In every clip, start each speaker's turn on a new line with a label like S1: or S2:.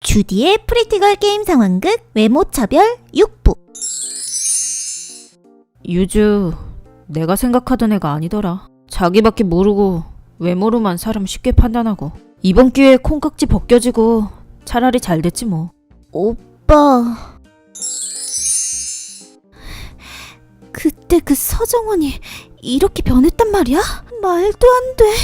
S1: 주디의 프리티걸 게임 상황극 외모차별 6부.
S2: 유주, 내가 생각하던 애가 아니더라. 자기밖에 모르고 외모로만 사람 쉽게 판단하고 이번 기회에 콩깍지 벗겨지고 차라리 잘 됐지 뭐.
S1: 오빠, 그때 그 서정원이 이렇게 변했단 말이야? 말도 안 돼.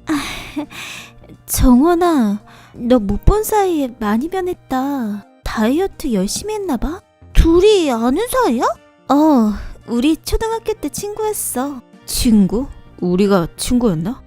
S1: 정원아, 너 못 본 사이에 많이 변했다. 다이어트 열심히 했나봐? 둘이 아는 사이야? 우리 초등학교 때 친구였어.
S2: 친구? 우리가 친구였나?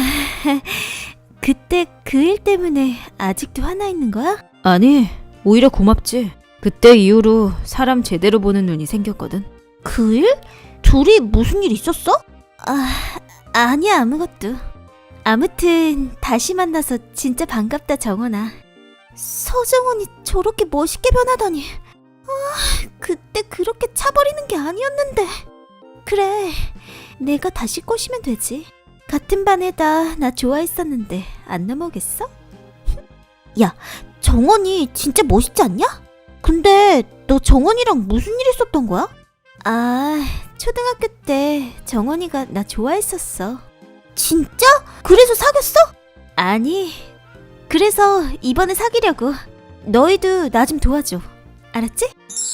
S1: 그때 그 일 때문에 아직도 화나 있는 거야?
S2: 아니, 오히려 고맙지. 그때 이후로 사람 제대로 보는 눈이 생겼거든.
S1: 그 일? 둘이 무슨 일 있었어? 아니야, 아무것도. 아무튼 다시 만나서 진짜 반갑다, 정원아. 서정원이 저렇게 멋있게 변하다니. 그때 그렇게 차버리는 게 아니었는데. 그래, 내가 다시 꼬시면 되지. 같은 반에다 나 좋아했었는데 안 넘어겠어? 야, 정원이 진짜 멋있지 않냐? 근데 너 정원이랑 무슨 일 있었던 거야? 초등학교 때 정원이가 나 좋아했었어. 진짜? 그래서 사귀었어? 아니, 그래서 이번에 사귀려고. 너희도 나 좀 도와줘. 알았지?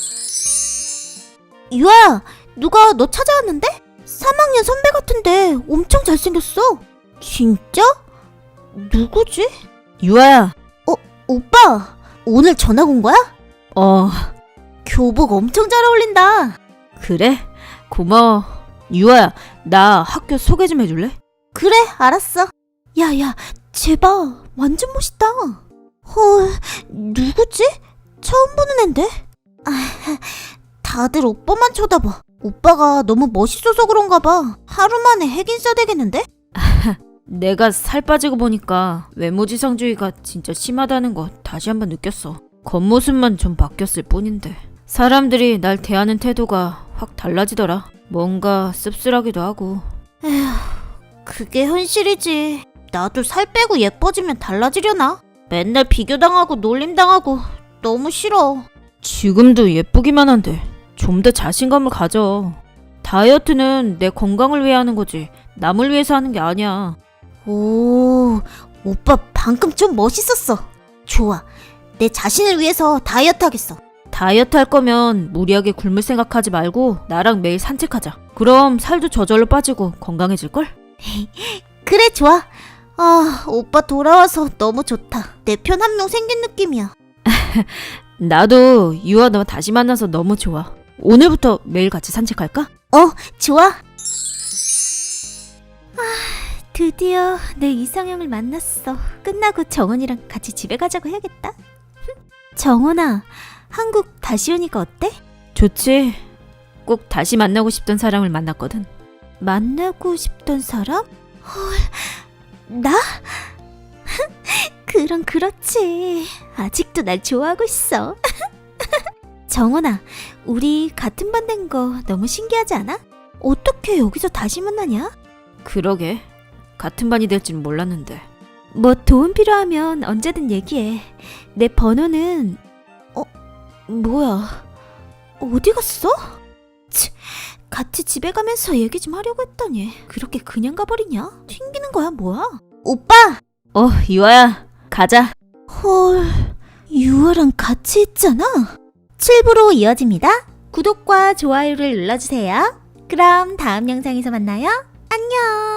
S1: 유아야, 누가 너 찾아왔는데? 3학년 선배 같은데 엄청 잘생겼어. 진짜? 누구지?
S2: 유아야.
S1: 오빠, 오늘 전학 온 거야? 교복 엄청 잘 어울린다.
S2: 그래? 고마워. 유아야, 나 학교 소개 좀 해줄래?
S1: 그래, 알았어. 야, 쟤봐, 완전 멋있다. 헐, 누구지? 처음 보는 앤데? 다들 오빠만 쳐다봐. 오빠가 너무 멋있어서 그런가 봐. 하루 만에 핵인 써야 되겠는데?
S2: 내가 살 빠지고 보니까 외모지상주의가 진짜 심하다는 거 다시 한번 느꼈어. 겉모습만 좀 바뀌었을 뿐인데 사람들이 날 대하는 태도가 확 달라지더라. 뭔가 씁쓸하기도 하고.
S1: 에휴, 그게 현실이지. 나도 살 빼고 예뻐지면 달라지려나? 맨날 비교당하고 놀림당하고 너무 싫어.
S2: 지금도 예쁘기만 한데 좀 더 자신감을 가져. 다이어트는 내 건강을 위해 하는 거지 남을 위해서 하는 게 아니야.
S1: 오, 오빠 방금 좀 멋있었어. 좋아, 내 자신을 위해서 다이어트 하겠어.
S2: 다이어트 할 거면 무리하게 굶을 생각하지 말고 나랑 매일 산책하자. 그럼 살도 저절로 빠지고 건강해질걸?
S1: 그래, 좋아. 오빠 돌아와서 너무 좋다. 내 편 한 명 생긴 느낌이야.
S2: 나도 유아 너 다시 만나서 너무 좋아. 오늘부터 매일 같이 산책할까?
S1: 좋아. 드디어 내 이상형을 만났어. 끝나고 정원이랑 같이 집에 가자고 해야겠다. 정원아, 한국 다시 오니까 어때?
S2: 좋지. 꼭 다시 만나고 싶던 사람을 만났거든.
S1: 만나고 싶던 사람? 헐, 나? 그럼 그렇지. 아직도 날 좋아하고 있어. 정원아, 우리 같은 반 된 거 너무 신기하지 않아? 어떻게 여기서 다시 만나냐?
S2: 그러게. 같은 반이 될 줄 몰랐는데.
S1: 뭐 도움 필요하면 언제든 얘기해. 내 번호는... 뭐야, 어디 갔어? 같이 집에 가면서 얘기 좀 하려고 했더니 그렇게 그냥 가버리냐? 튕기는 거야 뭐야? 오빠!
S2: 유아야, 가자.
S1: 헐, 유아랑 같이 있잖아? 7부로 이어집니다. 구독과 좋아요를 눌러주세요. 그럼 다음 영상에서 만나요. 안녕!